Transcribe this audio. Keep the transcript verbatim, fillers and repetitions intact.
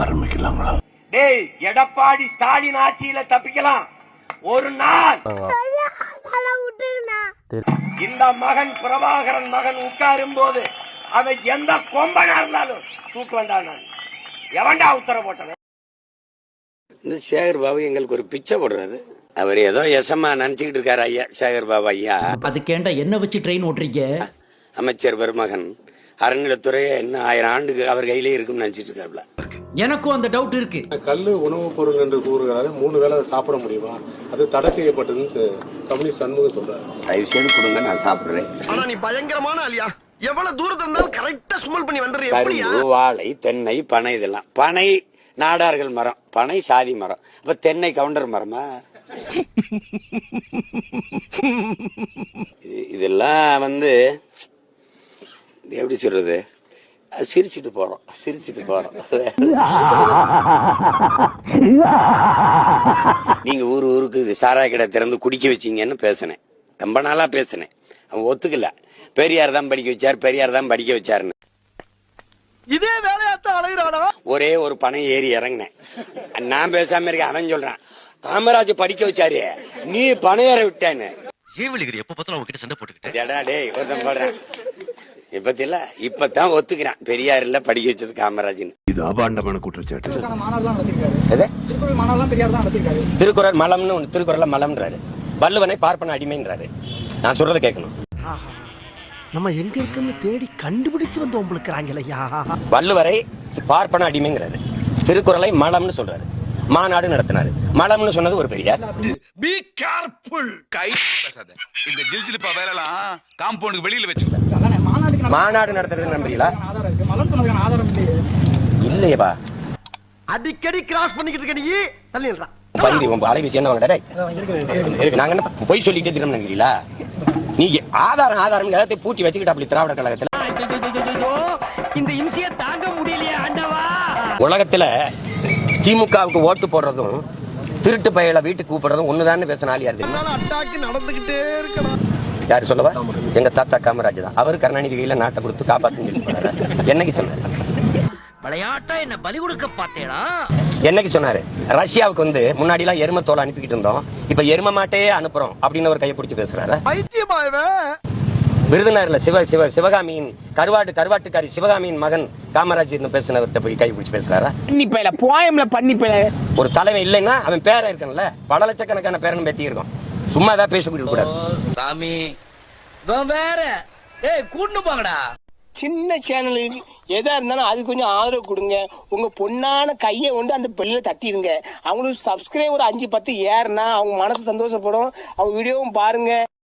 ஆரம்பிக்கலாங்களா? டேய், எடப்பாடி ஸ்டாலின் ஆட்சியில தப்பிக்கலாம் ஒரு நாள். இந்த மகன் பிரபாகரன் மகன் உட்காரும் போது அவன் எந்த கொம்பனா இருந்தாலும் தூக்க வேண்டாம். நான் எவன்டா உத்தரவு போட்டவன்? இந்த சேகர் பாபு எங்களுக்கு ஒரு பிச்சை போடுறாரு. அவர் ஏதோ எசமா நினைச்சுக்கிட்டு இருக்காரு ஐயா. சேகர் பாபு ஐயா அதுக்கேண்டா என்ன வச்சு ட்ரெயின் ஓட்டுறீங்க? அமைச்சர் பெருமகன் அறநிலைத்துறை இன்னும் ஆயிரம் ஆண்டுக்கு அவர் கையிலே இருக்கும்னு நினைச்சிட்டு இருக்காருல. எனக்கும் அந்த டவுட் இருக்கு. கல்லு உணவுப் பொருள் என்று கூறுகிறாரு. மூணு வேளை சாப்பிட முடியுமா? அது தடை செய்யப்பட்டதுன்னு கம்யூனிஸ்ட் சண்முகம் சொல்றாரு. தயவு செய்து கொடுங்க, நான் சாப்பிடுறேன். ஆனா நீ பயங்கரமான ஆளியா. எவ்வளவு தூரத்துல இருந்தாலும் கரெக்டா சுமல் பண்ணி வந்துடுறியா? கரும்பு, வாழை, தென்னை, பனை, இதெல்லாம். பனை நாடார்கள் மரம், பனை சாதி மரம். அப்ப தென்னை கவுண்டர் மரமா? இதெல்லாம் வந்து எப்படி சொல்றது, சிரிச்சுட்டு போறோம் சிரிச்சுட்டு போறோம் நீங்க ஊரு ஊருக்கு சாராய கடை திறந்து குடிக்க வச்சீங்கன்னு பேசினேன். ரொம்ப நாளா பேசினேன். அவன் ஒத்துக்கல. பெரியார் தான் படிக்க வச்சார், பெரியார் தான் படிக்க வச்சாருன்னு. இதே வேலையாத்தான் அலைகிறானா? ஒரே ஒரு பணம் ஏறி இறங்கினேன். நான் பேசாம இருக்க. அவன் சொல்றான், காமராஜ் படிக்க வச்சாரு, நீ பணம் ஏற விட்டேன்னு. எப்ப பார்த்தாலும் அவங்க கிட்ட சண்டை போட்டுக்கிட்டு டேய் ஒருத்தன் சொல்றேன். இப்பத்தில இப்பதான் ஒத்துக்கிறான், பெரியார் இல்ல படிக்க வச்சது காமராஜ்னு. இது அபாண்டமான குற்றச்சாட்டு. திருக்குறள் மலம்னு ஒண்ணு, திருக்குறள்ல மலம்ன்றாரு. வள்ளுவனை பார்ப்பன அடிமைன்றாரு. நான் சொல்றதை கேட்கணும். நம்ம எங்க இருக்குன்னு தேடி கண்டுபிடிச்சு வந்து உங்களுக்குறாங்களையா. வள்ளுவரை பார்ப்பன அடிமைங்கிறாரு, திருக்குறளை மலம்னு சொல்றாரு. மாநாடு நடத்தினாரு. மலம்னு சொன்னது ஒரு பெரியார். Be careful. கை பேசாத. இந்த ஜில்ஜிலிப்பா வேலைலாம் காம்பவுண்டுக்கு வெளியில வெச்சுக்க. மாநாடு நடத்துறது நம்புறீங்களா? இல்லையேப்பா. அடிக்கடி கிராஸ் பண்ணிக்கிட்டு இருக்க நீ தள்ளிடுறா. பயிரி உங்க அலைவீசி என்ன வாங்கடா? நாங்க என்ன பொய் சொல்லிட்டே திரும்ப நினைக்கிறீங்களா? நீ ஆதாரம் ஆதாரம் எல்லாத்தையும் பூட்டி வச்சுக்கிட்டு அப்படி திராவிட கழகத்துல இந்த இம்சியை தாங்க முடியலையா ஆண்டவா? உலகத்துல திமுகவுக்கு ஓட்டு போடுறதும் திருட்டு பையல வீட்டுக்கு கூப்பிடுறதும் ஒண்ணுதான் பேசின ஆள் யாரு? நடந்துகிட்டே இருக்கணும். யாரு சொல்லவா? எங்க தாத்தா காமராஜ் தான். அவரு கருணாநிதி கையில நாட்டை கொடுத்து காப்பாத்து என்னைக்கு சொன்னாரு? விளையாட்டா என்ன பலி கொடுக்க பார்த்தேடா. என்னைக்கு சொன்னாரு? ரஷ்யாவுக்கு வந்து முன்னாடி எல்லாம் எரும தோலை அனுப்பிக்கிட்டு இருந்தோம், இப்ப எரும மாட்டையே அனுப்புறோம் அப்படின்னு ஒரு கையை பிடிச்சி பேசுறாரு. விருதுநகர்ல சிவ சிவ சிவகாமியின் கருவாட்டு கருவாட்டுக்காரி சிவகாமியின் மகன் காமராஜ் பேசினவர்கிட்ட போய் கை பிடிச்சி பேசுறாரா? ஒரு தலைவன் இல்லைன்னா அவன் பேர இருக்கணும்ல. பல லட்சக்கணக்கான பேரன் பேத்தி இருக்கும். சும்மா தான் பேசிக்கிட்டு கூடாது. சாமி வேற கூட்டு போங்கடா. சின்ன சேனலுக்கு எதா இருந்தாலும் அது கொஞ்சம் ஆதரவு கொடுங்க. உங்க பொண்ணான கையை கொண்டு அந்த பெல்லில தட்டிடுங்க. அவங்களுக்கு சப்ஸ்கிரைபர் அஞ்சு பத்து ஏறுனா அவங்க மனசு சந்தோஷப்படும். அவங்க வீடியோவும் பாருங்க.